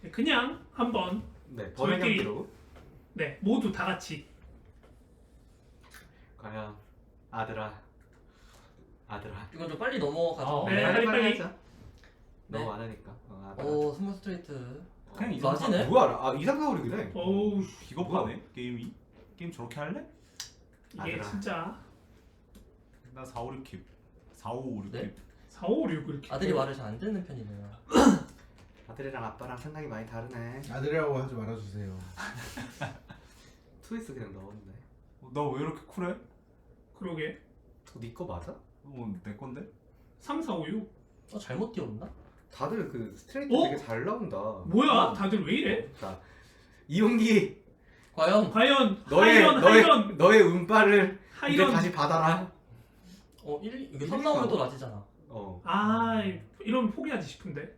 그냥 한번 네, 번외 저희끼리- 경기로 네 모두 다 같이 과연 아들아 이건 좀 빨리 넘어가죠. 네, 빨리. 하자. 네. 너무 많으니까. 아들아. 오 스몰 스트레이트. 그냥 어, 맞이네? 뭐야? 아 2, 3, 4, 5, 6이네. 어우 비겁하네 게임이. 게임 저렇게 할래? 이게 아들아. 진짜 나 4, 5, 6킵 4, 5, 5, 6킵 네? 4, 5, 6 이렇게 아들이 말을 잘 안 듣는 편이네요. 아들이랑 아빠랑 생각이 많이 다르네. 아들이라고 하지 말아주세요. 트위스 그냥 넣었네. 너 왜 이렇게 쿨해? 그러게 네거 맞아? 내 건데? 3, 4, 5, 6 잘못 띄웠나? 다들 그 스트레이트 어? 되게 잘 나온다. 뭐야 다들 왜 이래? 자, 이용기 과연 과연 너의 하이런 너의 운빨을 이제 하이런 다시 받아라. 이게 3 나오면 또 낮이잖아. 아 이러면 포기하지 싶은데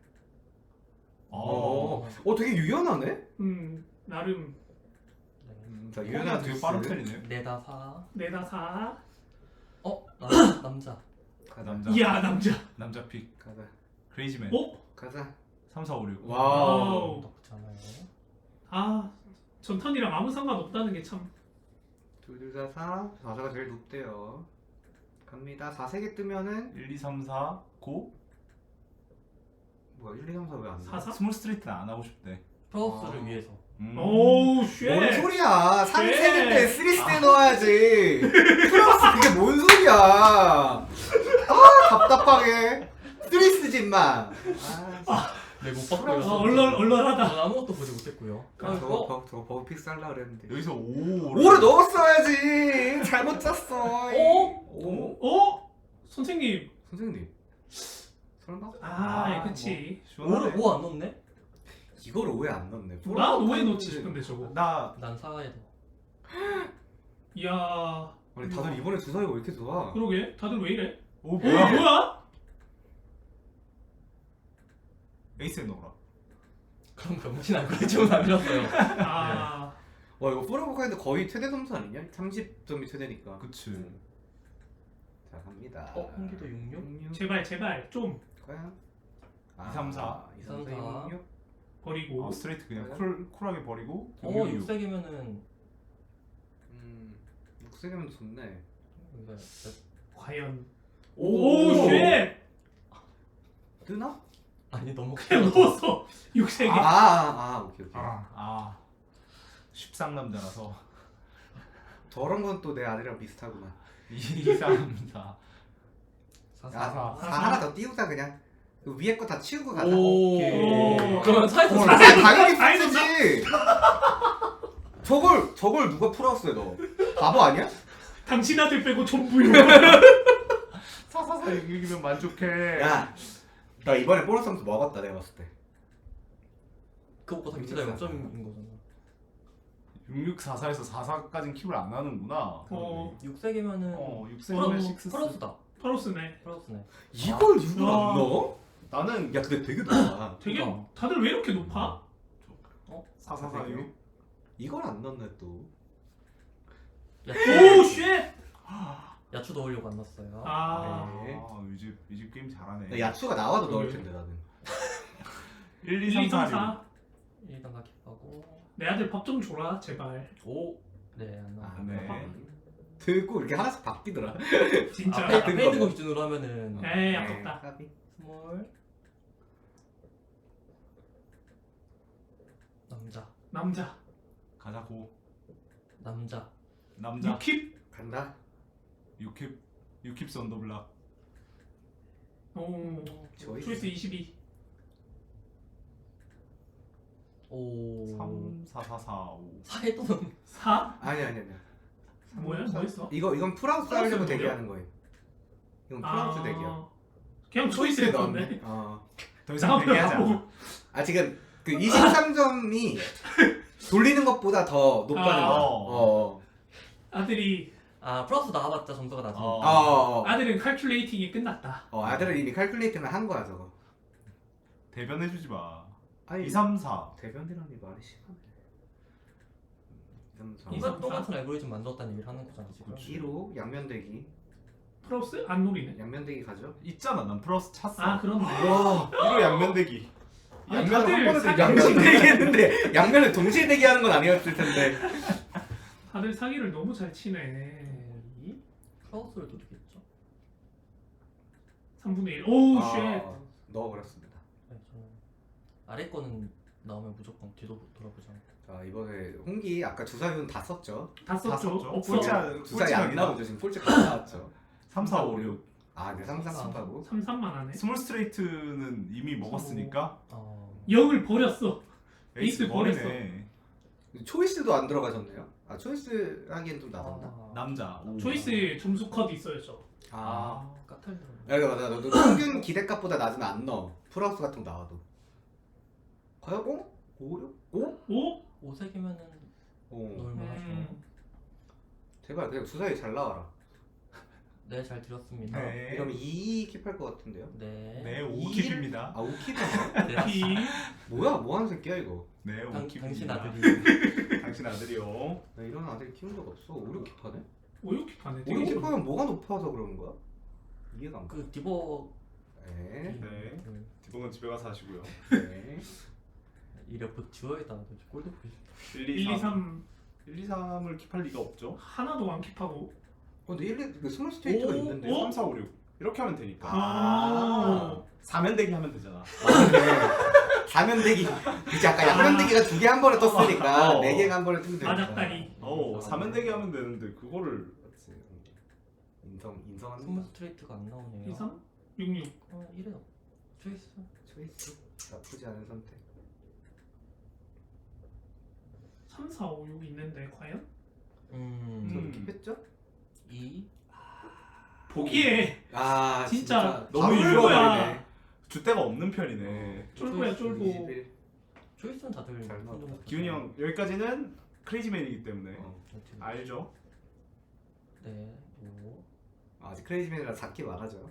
되게 유연하네. 나름 자, 유연한 유연한 되게 트위스. 빠른 편이네. 내다 4. 내다 4 남자. 가자. 남자. 이야 남자 남자 픽 가자. 크레이지맨. 어? 가자. 3, 4, 5, 6. 와우. 나쁘지 않아요. 아 전탄이랑 아무 상관없다는 게 참 둘둘 4, 4가 제일 높대요. 갑니다. 4 3개 뜨면은 1, 2, 3, 4 고. 뭐야 1, 2, 3, 4 왜 안 돼? 4, 4? 스몰 스트레이트는 안 하고 싶대. 프로스를 아. 위해서. 오우 쉣 뭔 소리야? 3 쉣. 3개인데 3 때 넣어야지. 플러스 그게 뭔 소리야? 아 답답하게. 3 쓰지 임마. 네못 얼얼하다 저는 아무것도 보지 못했고요. 저거 버그 픽스 하려고 그랬는데. 여기서 5. 5를 넣었어야지. 잘못 짰어. 오? 어? 선생님 선생님. 설마? 그치 시원하네. 5를 안 넣네? 이거를 왜 안 넣네? 나 5에 넣지 싶은데 저거 나 난 4에 넣어. 이야 아니 다들 이번에 주사위가 왜 이렇게 좋아? 그러게 다들 왜 이래? 오 뭐야? 뭐야? 뭐야? 에이스에 넣어라. 그럼 병신 알고리즘은 안 밀었어요. 아 와 이거 포르보카인데 거의 최대 점수 아니냐? 30점이 최대니까. 그치. 자 갑니다. 홍기도 66? 제발 좀 과연? 2, 3, 4. 2, 3, 4, 6, 6. 버리고 스트레이트 그냥 과연? 쿨하게 버리고. 6색이면은 6세개면 좋네. 과연 오, 오쉣 뜨나? 아니 너무 그냥 넣었어 6세개 오케이. 아. 십상남자라서. 저런 건 또 내 아들이랑 비슷하구만. 2, 3, 4. 4, 4. 야, 4 하나 더 띄우자 그냥. 그 위에 거 다 치우고 가자. 오. 오. 그러면 사이즈 아, 당연히 아니, 풀지. 저걸 누가 풀었어요 너? 바보 아니야? 당신 아들 빼고 전부요 4, 6이면 만족해. 야, 나 이번에 보너스 점수 먹었다 내가 봤을 때. 그거보다 밑에다 0점인 거잖아. 6, 6, 4, 4에서 4, 4까지는 킵을 안 하는구나. 6색이면은 6세면 6. 플러스다. 프로스네 플러스네. 이걸 6을 와. 안 넣어? 나는 야 근데 되게 높아. 되게 그러니까. 다들 왜 이렇게 높아? 4, 4, 4, 6. 이걸 안 넣네 또. 오쉣 야추 넣으려고 안 넣었어요. 네. 이집 게임 잘하네. 나 야추가 나와도 넣을 텐데 나는. 1, 2, 3, 4, 6. 일단 다 킵하고. 내 아들 밥 좀 줘라 제발 네, 안 나와. 네. 들고 이렇게 하나씩 바뀌더라. 진짜 앞에 있는 거 기준으로 하면은 에이 아깝다 까비. 스몰 남자 가자고. 남자. 남자. 6킵 간다. 6킵 썬더블락. 오 초이스 22 오. 3, 4, 4, 4, 5. 4에 또 넣는. 4? 아니. 뭐야? 뭐 했어? 이건 프랑스 프랑스 하려고 뭐야? 대기하는 거예요. 이건 프랑스 대기야. 그냥 초이스에 넣었네 더 이상 대기하지 않아. 나보고 지금 그 23점이 돌리는 것보다 더 높다는 거야. 아들이 플러스 나와봤자 점수가 낮으니까. 아들은 칼큘레이팅이 끝났다 아들은 이미 칼큘레이팅을 한 거야 저거. 대변해주지 마. 아니 2, 3, 4. 대변이라니 말이 심하네. 2, 3, 4. 이거 똑같은 알고리즘 만들었다는 얘기를 하는 거잖아 지금. 2로 양면대기. 프로스? 안 노리네 양면대기 가죠. 있잖아. 난 플러스 찼어. 아 그렇네 와. 1호 양면대기. 아니, 양면을 한 번에 사기- 양면을 대기했는데 양면을 동시에 대기하는 건 아니었을 텐데. 다들 사기를 너무 잘 치네. 이 프라우스를 도둑했죠. 3분의 1. 오우 쉣. 넣어버렸습니다. 네, 저는 아래 거는 나오면 무조건 뒤도 돌아보지 않고. 자 이번에 홍기 아까 주사위는 다 썼죠. 다 썼죠. 썼죠. 없어. 주사위 안 나오죠 지금 폴짝 다 나왔죠. 3, 4, 5, 6. 아, 네 상상하고. 3-3만 하네. 스몰 스트레이트는 이미 먹었으니까 0을 버렸어. 에이스 에이스 버리네. 초이스도 안 들어가셨네요. 아 초이스 하기엔 좀 낮았나? 남자. 오. 초이스 점수 컷 있어요 저. 까탈 들어. 야, 맞아. 너도 평균 기대값보다 낮으면 안 넣어. 플러스 같은 거 나와도. 과연 5? 5? 5? 5? 5색이면은 오. 넣을만 하죠. 제발 그냥 주사위 잘 나와라. 네, 잘 들었습니다. 네. 이러면 2 킵할 것 같은데요? 네. 네, 5킵입니다. 아 5킵이야? 네. 피. 뭐야 뭐하는 새끼야 이거. 네, 5킵입니다. 당신 아들이 당신 아들이요. 나 이런 아들 키운 적 없어. 5, 6킵 하네? 5-6킵 하네. 5, 6킵 하면 뭐가 높아서 그러는 거야? 이해가 안 가. 그 디버 네. 네. 그 디봉은 집에 가서 하시고요. 네. 이래프 지워야겠다. 꼴도 보기 싫다. 1, 1, 2, 3 1, 2, 3을 킵할 리가 없죠. 하나도 안 킵하고. 근데 1, 2, 그 스몰 스테이트가 오, 있는데. 오? 3, 4, 5, 6. 이렇게 하면 되니까. 아. 4면대기 하면 되잖아. 네. 사면대기. 그치 아까 양면대기가 2개 한 번에 떴으니까 어. 4개가 한 번에 뜨면 되니까. 마작다리. 4면대기 하면 되는데 그거를 그렇지. 인성한 스몰 스트레이트가 안 나오네요. 2, 3, 6, 6. 1에 초이스. 초이스. 나쁘지 않은 선택. 3, 4, 5, 6 있는데 과연? 저는 킵했죠? 2. 포기해. 아 진짜 너무 쫄보야. 잃어버리네. 줏대가 없는 편이네. 쫄보야 쫄보. 21. 초이스는 다들 잘 나왔다. 손 기훈이 형 여기까지는 크레이지맨이기 때문에 어. 알죠? 네. 5. 아직 크레이지맨이라 작게 말하죠.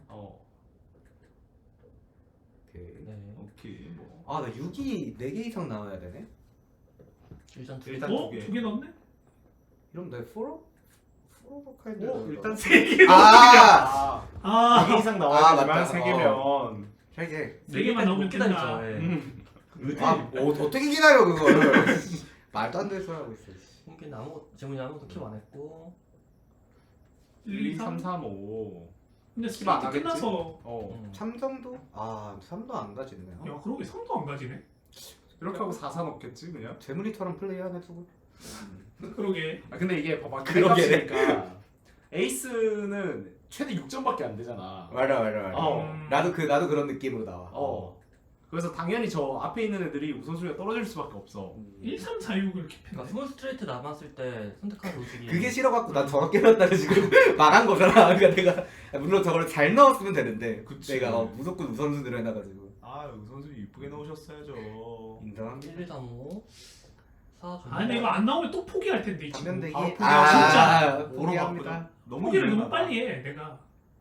오케이. 네. 오케이 뭐. 아 나 6이 4개 이상 나와야 되네? 일단 두 개. 일단 어? 두 개. 2개 넣었네? 이러면 내 포로? 포로버카인데 일단 3개 아! 아 4개 이상 아, 나와야 되지만 맞다. 3개면 3개 4개만 넣으면 된다. 아 어떻게 기다려 그걸 말도 안 되는 소리 하고 있어. 홍기는 재문이 아무것도 킵 안 했고. 1, 2, 3. 3, 5. 근데 킵안 스트레이트 하겠지? 끝나서. 3정도? 아 3도 안 가지네요. 야 그러게 3도 안 가지네. 이렇게 하고 4, 4 넣겠지 그냥? 재문이처럼 플레이하네 두고. 그러게. 아 근데 이게 봐봐 그러게. 그래값이니까 에이스는 최대 6점밖에 안 되잖아. 맞아. 어. 나도 그런 느낌으로 나와. 그래서 당연히 저 앞에 있는 애들이 우선순위가 떨어질 수밖에 없어. 1, 3, 4, 6을 그러니까 킵했네. 스몰 스트레이트 남았을 때 선택하는 로직이 그게 싫어갖고 난 저렇게 넣었다고 지금 말한 거잖아. 그러니까 내가 물론 저걸 잘 넣었으면 되는데 그치. 내가 무조건 우선순위로 해놔가지고 아 우선순위 이쁘게 넣으셨어야죠. 인정합니다. 1, 2, 3, 5. 4 좀. 아 근데 이거 안 나오면 또 포기할 텐데 이 친구. 반면대기. 아, 포기. 진짜. 포기합니다. 너무 포기를 너무 유명하다. 빨리 해 내가.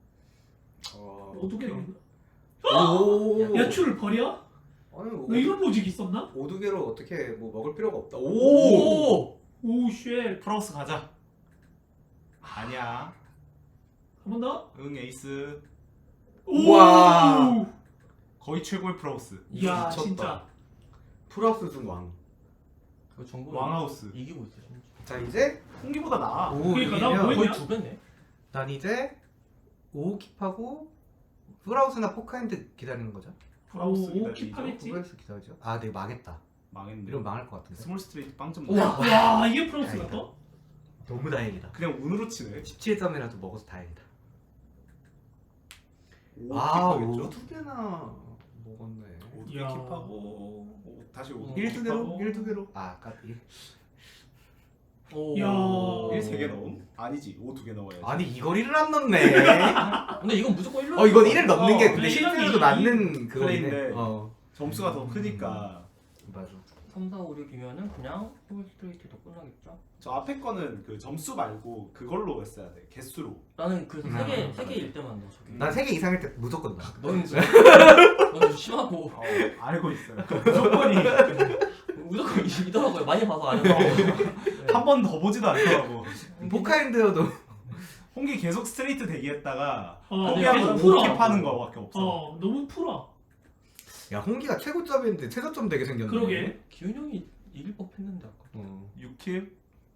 어떻게 넣었나? 오. 야추를 버려? 아니 너 이런 로직 있었나? 오두개로 어떻게 뭐 먹을 필요가 없다. 오! 오우 쉣. 프라우스 가자. 아니야. 한 번 더? 응 에이스. 우와. 거의 최고의 프라우스. 이야 미쳤다. 진짜. 플러스 중 왕. 그 정보 왕하우스. 이기고 있어 심지어. 자 이제 홍기보다 나아. 5 그러니까 나 이기면 뭐했냐? 거의 두 배네. 난 이제 5 킵하고 프라우스나 포카인드 기다리는 거죠. 프라우스 오, 기다리죠. 킵하겠지? 프라우스 기다리죠. 아 내가 망했다. 망했네. 이러면 망할 것 같은데. 스몰 스트레이트 빵점 우와. 넣어. 와 이게 프랑스가 다행이다. 떠? 너무 다행이다. 그냥 운으로 치네. 17점이라도 먹어서 다행이다. 오 아, 킵하겠죠? 2개나 먹었네. 5개 이야. 킵하고 다시 5개 1-2개로? 1-2개로? 아, 까비. 오. 야. 1 3개 넣음? 아니지 5 2개 넣어야지. 아니, 이거리를 안 넣네. 근데 이건 무조건 1로. 이건 1을 넣는 게 근데 네, 실제로도 이건 맞는 그거네. 플레이인데. 점수가 음. 더 크니까. 맞아. 3, 4, 5, 6이면은 그냥 스몰 스트레이트도 끝나겠죠? 저 앞에 거는 그 점수 말고 그걸로 했어야 돼. 개수로. 나는 그래서 음. 3개일 때만 넣어 저기. 난 3개 이상일 때 무조건 넣어. 너는 좀 심하고 알고 있어요. 무조건이 무조건 이더라고요. 많이 봐서 아는 한 번 더 보지도 않더라고. 포카인드여도 홍기 계속 스트레이트 대기했다가 어, 포기하고 계속 5 풀어. 킵하는 거밖에 없어. 너무 풀어. 야 홍기가 최고점인데 최저점 되게 생겼네. 그러게. 기훈 형이 이길 법했는데 아까. 어. 6킵.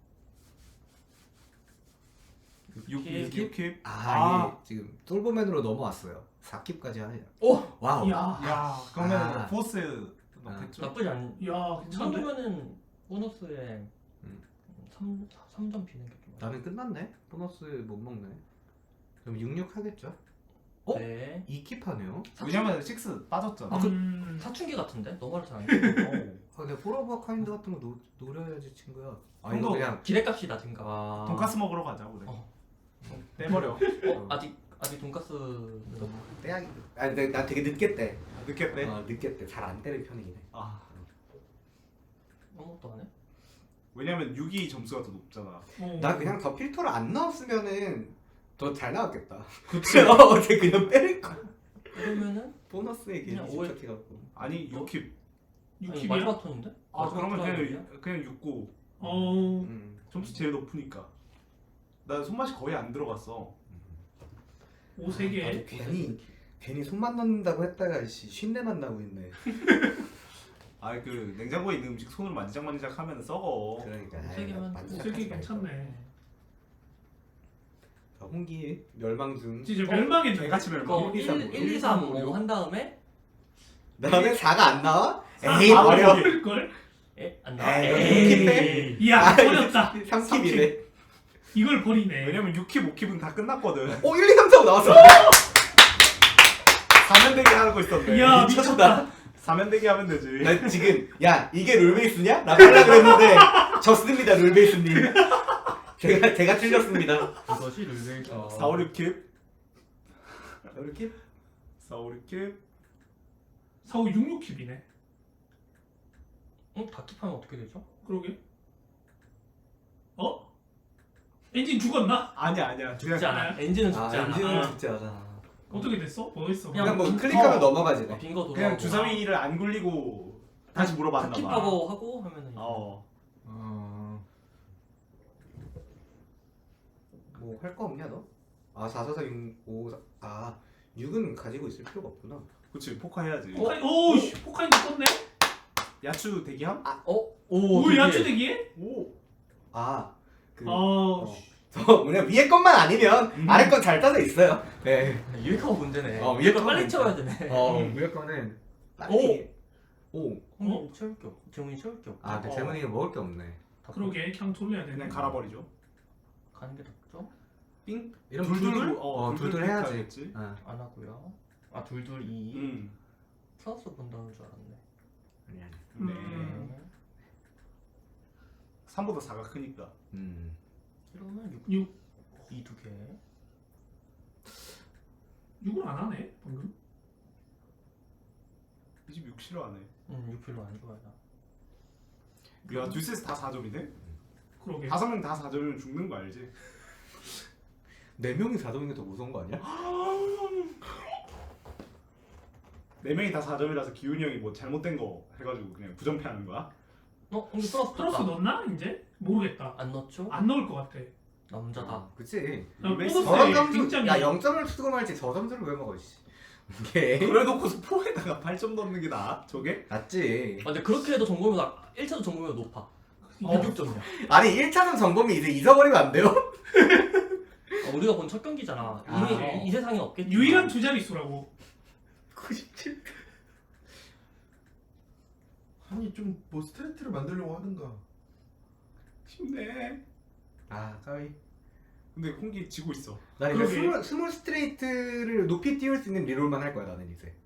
6킵. 6킵. 아, 이게 지금 솔버맨으로 넘어왔어요. 4킵까지 하네요. 오! 와우. 야, 야 그러면 아. 포스 넣겠죠? 나쁘지 않. 야, 이 괜찮은데? 정도면은 보너스에 음. 3점 비는 게 좀. 나는 끝났네. 보너스 못 먹네. 그럼 66 하겠죠? 어? 네. 2킵 하네요. 왜냐면 6 빠졌잖아. 사춘기 같은데? 너무 잘안 아, 근데 포러버 카인드 같은 거 노려야지 친구야. 아 형도 이거 그냥 기대값이 낮은가. 아... 돈가스 먹으러 가자 그래. 어. 빼버려. 아직 돈가스는 빼야기. 아 근데 나 되게 늦게 떼. 늦겠대. 늦게 떼. 잘 안 때릴 편이긴 해. 아 아무것도 안 해? 왜냐면 6이 점수가 더 높잖아. 나 그냥 더 필터를 안 넣었으면은 더 잘 나왔겠다. 그치. 어제 그냥 빼릴 거. 그러면은 보너스에 그냥 괜히 오해- 집착해갖고. 아니 6킵. 아니, 6킵이야? 마지막 턴인데? 아 마지막 그러면 턴이야? 그냥 6고 어, 점수 제일 높으니까. 나 손맛이 거의 안 들어갔어. 5-3개. 괜히 손만 넣는다고 했다가 쉰내만 나고 있네. 아 그 냉장고에 있는 음식 손으로 만지작 하면 썩어. 그러니까. 세 개만 만지작하지 5-3개 말고. 괜찮네. 자, 홍기 멸망 중. 진짜 멸망했네. 개같이 멸망. 그거 1, 1, 2, 3, 5 한 다음에 그다음에 4가 안 나와? 아, 에이 버려. 걸? 안 나와. 에이, 킵해? 이야, 버렸다. 3킵이네. 이걸 버리네. 왜냐면 6킵, 5킵은 다 끝났거든. 1, 2, 3, 4 나왔어. 4면 대기 하고 있었네. 이야, 미쳤다. 4면 대기 하면 되지. 나 지금 야 이게 롤베이스냐? 나 빨라 그랬는데 졌습니다 롤베이스님. 제가 틀렸습니다. 그것이 룰베이스. 4, 5, 6킵. 이렇게? 4, 5, 6킵. 4, 5, 6, 6킵이네. 응? 다 킵하면 어떻게 되죠? 그러게. 어? 엔진 죽었나? 아니야. 죽지 않아. 엔진은 죽지 않아. 엔진은 아. 진짜 하잖아. 어떻게 됐어? 뭐 했어? 그냥 뭐 빈- 클릭하면 어. 넘어가지네. 빈거 돌아가고. 그냥 주사위를 안 굴리고 다시 다 물어봤나 봐. 킵하고 하고 하면은. 어. 뭐 할 거 없냐 너? 아 4, 4, 4, 6, 5, 4. 아 6은 가지고 있을 필요가 없구나. 그치, 포카 해야지. 오, 씨, 포카인도 떴네? 야추 대기함? 오, 되게- 야추대기에? 오. 아그 아, 위에 것만 아니면 아래 건 잘 따져 있어요. 네. 위에 거가 문제네. 어, 위에 거 위에 빨리 거가 채워야 되네. 위에 거는 빨리. 오. 형님 채울 게 없. 재훈이 채울 게 없. 아 근데 재문이가 먹을 게 없네. 그러게, 그냥 돌려야 되네. 그냥 갈아버리죠. 가는 게 낫죠? 삥? 이런 둘둘? 둘둘? 어, 둘둘 둘둘 해야지. 해야겠지. 안 하고요. 아 둘둘 2. 플러스 본다는 줄 알았네. 아니 아니. 네. 음. 3보다 4가 크니까. 이러면 6. 6. 2 두 개. 6을 안 하네, 방금. 이 집 6 싫어하네. 6 별로 안 좋아해 나. 야, 듀스에서 다 4점이네? 그러게. 5명 다 4점이면 죽는 거 알지? 4명이 4점인 게 더 무서운 거 아니야? 4명이 다 4점이라서 기훈이 형이 뭐 잘못된 거 해가지고 그냥 부정패하는 거야? 형님 플러스 플러스 떴다. 넣나? 이제? 모르겠다. 안 넣었죠? 안 넣을 것 같아. 남자다. 그치. 리베이스 보너스에 저런 점수 굉장히. 야 0점을 쓰고 말지 저 점수를 왜 먹어 씨. 이게 그래놓고서 4에다가 8점 넣는 게 나아? 저게? 낫지. 근데 그렇게 해도 정보면 1차도 정보면 높아. 6점이야. 아니 1차는 정범이 이제 잊어버리면 안 돼요? 우리가 본 첫 경기잖아. 이미 아. 이 세상에 없겠지. 유일한 두 자릿수라고. 97. 아니 좀 뭐 스트레이트를 만들려고 하든가. 쉽네. 아 까비. 근데 홍기 지고 있어. 나 이제 그러게. 스몰 스트레이트를 높이 띄울 수 있는 리롤만 할 거야 나는 이제.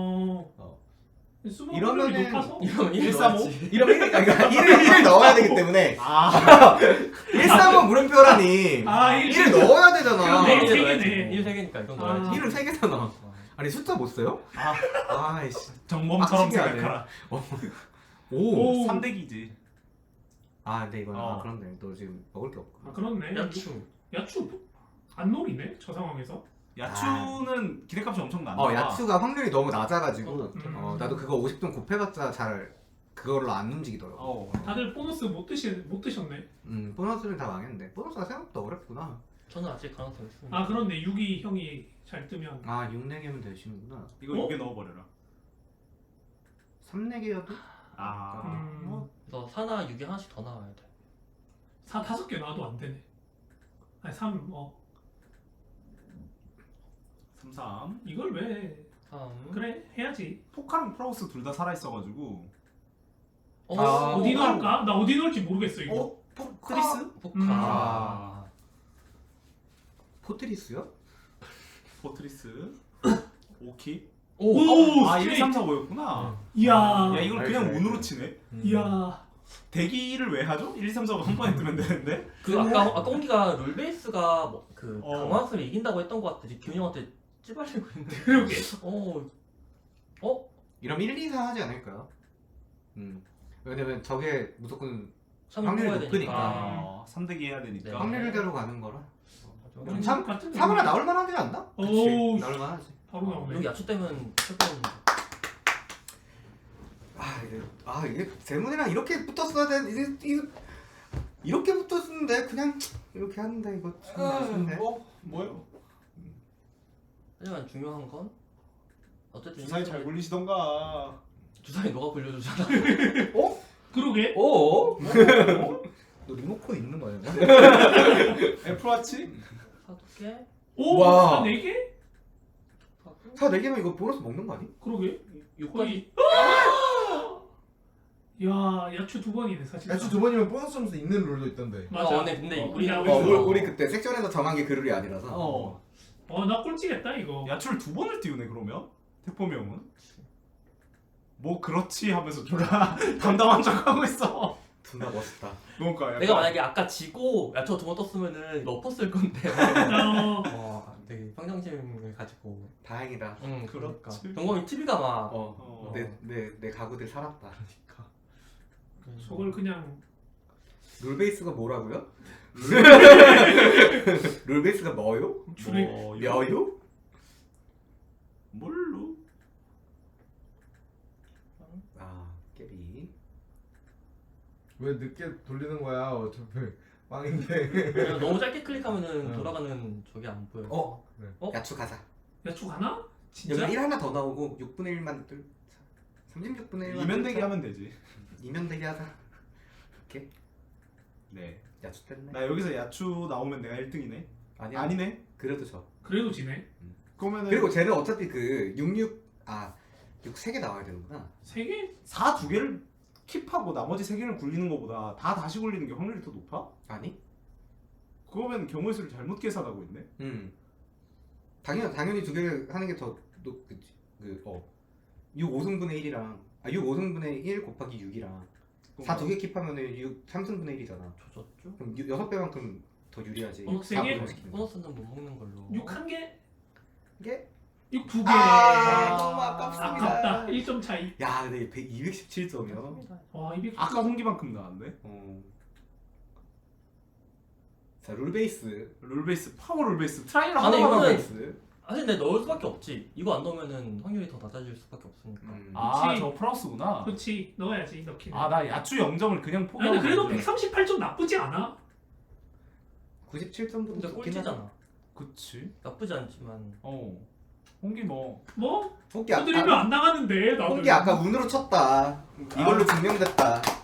수분 이러면은- 확률이 높아서. 이러면 135? 135? 이러면 그러니까 1을 넣어야 되기 때문에 아. 135 물음표라니 아, 1을 넣어야 되잖아. 그러네. 1 세 3개네. 개네. 1 3개니까 이건 아. 넣어야지. 1은 3개잖아. 아니 숫자 못 써요? 아. 아이씨. 정범처럼 빡치게 하네. 생각하라. 오. 오. 3대기지. 아 근데 이건 어. 그런데 너 지금 먹을 게 없고. 아, 그렇네. 야추. 야추 안 노리네, 저 상황에서. 야추는 기대값이 엄청 난다. 야추가 확률이 너무 낮아가지고 음. 나도 그거 50점 곱해봤자 잘 그걸로 안 움직이더라고. 다들 보너스 못 드셨네. 보너스는 다 망했는데 보너스가 생각보다 어렵구나. 저는 아직 가능성 있습니다. 아, 그런데 6이 형이 잘 뜨면. 아 6내기면 되시는구나. 이거 어? 6에 넣어버려라. 3-4개여도? 뭐 너 4나 6이 하나씩 더 나와야 돼. 4 5개 나와도 안 되네. 아니 3 3-3 이걸 왜 3. 그래 해야지. 포카랑 프라우스 둘 다 살아있어가지고 아, 어디 포카. 넣을까? 나 어디 넣을지 모르겠어 이거. 어? 포트리스? 포카. 아. 포트리스요? 포트리스 오키 오, 아 1, 스트레이트. 3, 4, 5였구나 이야. 야 이걸 그냥 알지, 운으로 알지. 치네 이야. 대기를 왜 하죠? 1, 2, 3, 4가 한 번에 뜨면 되는데 그 아까 홍기가 롤베이스가 그 어. 강화학습을 이긴다고 했던 것 같아. 기훈이 형한테 찌발리고 있는데. 그러게. 이러면 1, 2, 4 하지 않을까요? 왜냐면 저게 무조건 3을 확률이 뽑아야 높으니까. 되니까. 3대기 해야 되니까 네. 확률대로 가는 거라. 그럼 삼- 같은 3하나 나올 만하지 않나? 오, 나올 만하지. 바로 나오네. 여기 야초 때문에 조금 이게 제문이랑 이렇게 붙었어야 돼. 이렇게 붙었는데 그냥 이렇게 하는데 이거 참 아쉽네. 뭐요? 하지만 중요한 건 어쨌든 주사위 잘 굴리시던가 주사위 너가 굴려주잖아. 그러게. 어? 너 리모컨 있는 거야? 애플워치? 4개? 오, 와. 4개? 사 4개면 이거 보너스 먹는 거 아니? 그러게. 6까지? 거의. 야, 야추 2번이네 사실. 야추 2번이면 보너스 점수 있는 룰도 있던데. 맞아. 근데 어, 우리 야, 우리 그때 섹션에서 정한 게 그 룰이 아니라서. 나 꼴찌겠다 이거. 야추를 2번을 띄우네 그러면? 태포미 형은? 뭐 그렇지 하면서 졸라 담담한 척하고 있어 존나 멋있다. 그러니까 약간 내가 만약에 아까 지고 야초 2번 떴으면은 이거 엎었을 건데. 되게 평정심을 가지고. 다행이다. 그러니까. 그렇지. 경범이 TV가 막. 내 가구들 살았다. 그러니까. 저걸 그냥 룰베이스가 뭐라고요? 룰베이스가 뭐요? 줄에 몇요? 뭘로? 아 깨비. 왜 늦게 돌리는 거야? 어차피 빵인데. 그냥 너무 짧게 클릭하면은 응. 돌아가는 저게 안 보여. 야추 가자. 야추 가나? 여기 진짜? 1 하나 더 나오고 6분의 1만 뜰. 36분의 1만 이면대기 하면 되지 이면대기 하자. 네. 야추 뗐네. 나 여기서 야추 나오면 내가 1등이네 아니야. 아니네 그래도 져. 그래도 지네. 그러면은 그리고 쟤는 어차피 그 6 3개 나와야 되는구나. 3개? 4 2개를 킵하고 나머지 3개를 굴리는 것보다 다 다시 굴리는 게 확률이 더 높아? 아니? 그거면 경우의 수를 잘못 계산하고 있네 당연히 2개 하는 게 더 높겠지. 6 5승분의 1이랑 6 5승분의 1 곱하기 6이랑 4 2개 킵하면은 6 3승분의 1이잖아. 조졌죠? 그럼 6배만큼 더 유리하지. 3개? 보너스는 못 먹는 걸로. 6 1개? 이게? 6 2개. 너무 아깝습니다. 아깝다. 1점 차이. 야, 근데 217점이야. 와, 200. 아까 홍기만큼 나왔네 자, 룰베이스. 룰베이스 파워 룰베이스 트라이를 아니, 하나 이거는- 룰베이스. 사실 내 넣을 수밖에 없지. 이거 안 넣으면은 확률이 더 낮아질 수밖에 없으니까. 아 그치. 저 플러스구나 그렇지. 넣어야지. 넣기는. 아 나 야추 0점을 그냥 아니, 포기하고 근데 그래도 있는데. 138점 나쁘지 않아. 97점도 근데 꼴찌잖아. 그치 나쁘지 않지만. 홍기 뭐 뭐? 홍기 두드리면 안 나가는데. 나도. 홍기 아까 운으로 쳤다. 이걸로 증명됐다.